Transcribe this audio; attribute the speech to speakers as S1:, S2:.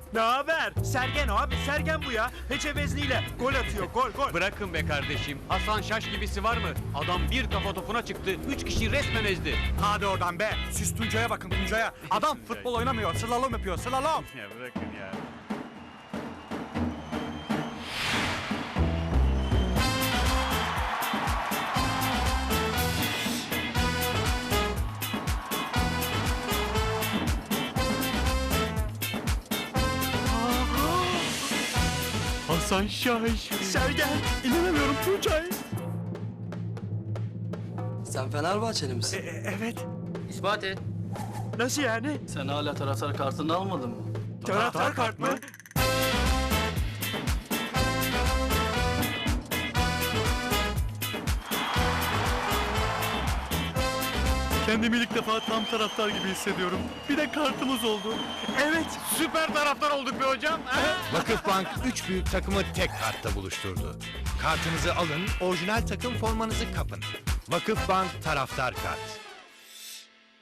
S1: Ne haber? Sergen abi, Sergen bu ya. Heçevezliyle gol atıyor, gol.
S2: Bırakın be kardeşim. Hasan Şaş gibisi var mı? Adam bir kafa topuna çıktı. 3 kişi resmen ezdi.
S3: Hadi oradan be. Siz Tuncay'a bakın, Tuncay'a. Adam futbol oynamıyor, slalom yapıyor, slalom.
S2: Ya bırakın ya. Hasan Şaş.
S1: Sergen, inanamıyorum Tuncay.
S4: Sen Fenerbahçeli misin?
S1: Evet.
S5: İspat et.
S1: Nasıl yani?
S5: Sen hala taraftar kartını almadın mı?
S1: Taraftar kart mı?
S3: Kendimi ilk defa tam taraftar gibi hissediyorum. Bir de kartımız oldu.
S1: Evet.
S2: Süper taraftar olduk be hocam.
S6: Vakıfbank 3 büyük takımı tek kartta buluşturdu. Kartınızı alın, orijinal takım formanızı kapın. Vakıfbank Taraftar Kart.